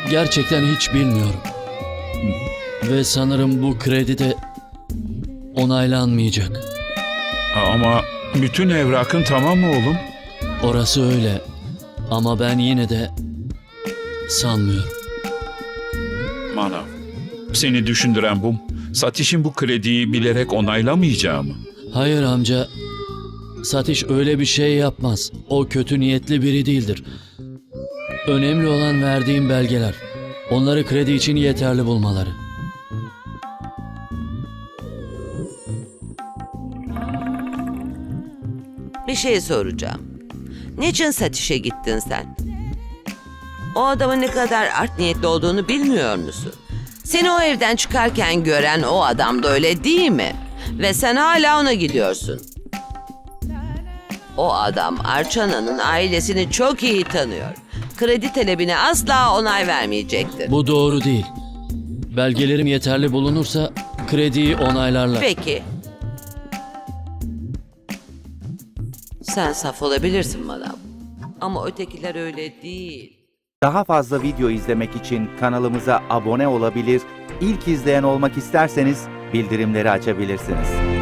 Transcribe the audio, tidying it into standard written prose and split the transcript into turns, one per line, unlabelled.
Gerçekten hiç bilmiyorum. Ve sanırım bu kredi de onaylanmayacak.
Ama bütün evrakın tamam mı oğlum?
Orası öyle. Ama ben yine de sanmıyorum.
Manav, seni düşündüren bu. Satiş'in bu krediyi bilerek onaylamayacağı mı?
Hayır amca. Satish öyle bir şey yapmaz. O kötü niyetli biri değildir. Önemli olan verdiğim belgeler. Onları kredi için yeterli bulmaları.
Bir şey soracağım. Niçin Satiş'e gittin sen? O adamın ne kadar art niyetli olduğunu bilmiyor musun? Seni o evden çıkarken gören o adam da öyle değil mi? Ve sen hala ona gidiyorsun. O adam Arçana'nın ailesini çok iyi tanıyor. Kredi talebine asla onay vermeyecektir.
Bu doğru değil. Belgelerim yeterli bulunursa krediyi onaylarlar.
Peki. Sen saf olabilirsin manav. Ama ötekiler öyle değil.
Daha fazla video izlemek için kanalımıza abone olabilir, ilk izleyen olmak isterseniz bildirimleri açabilirsiniz.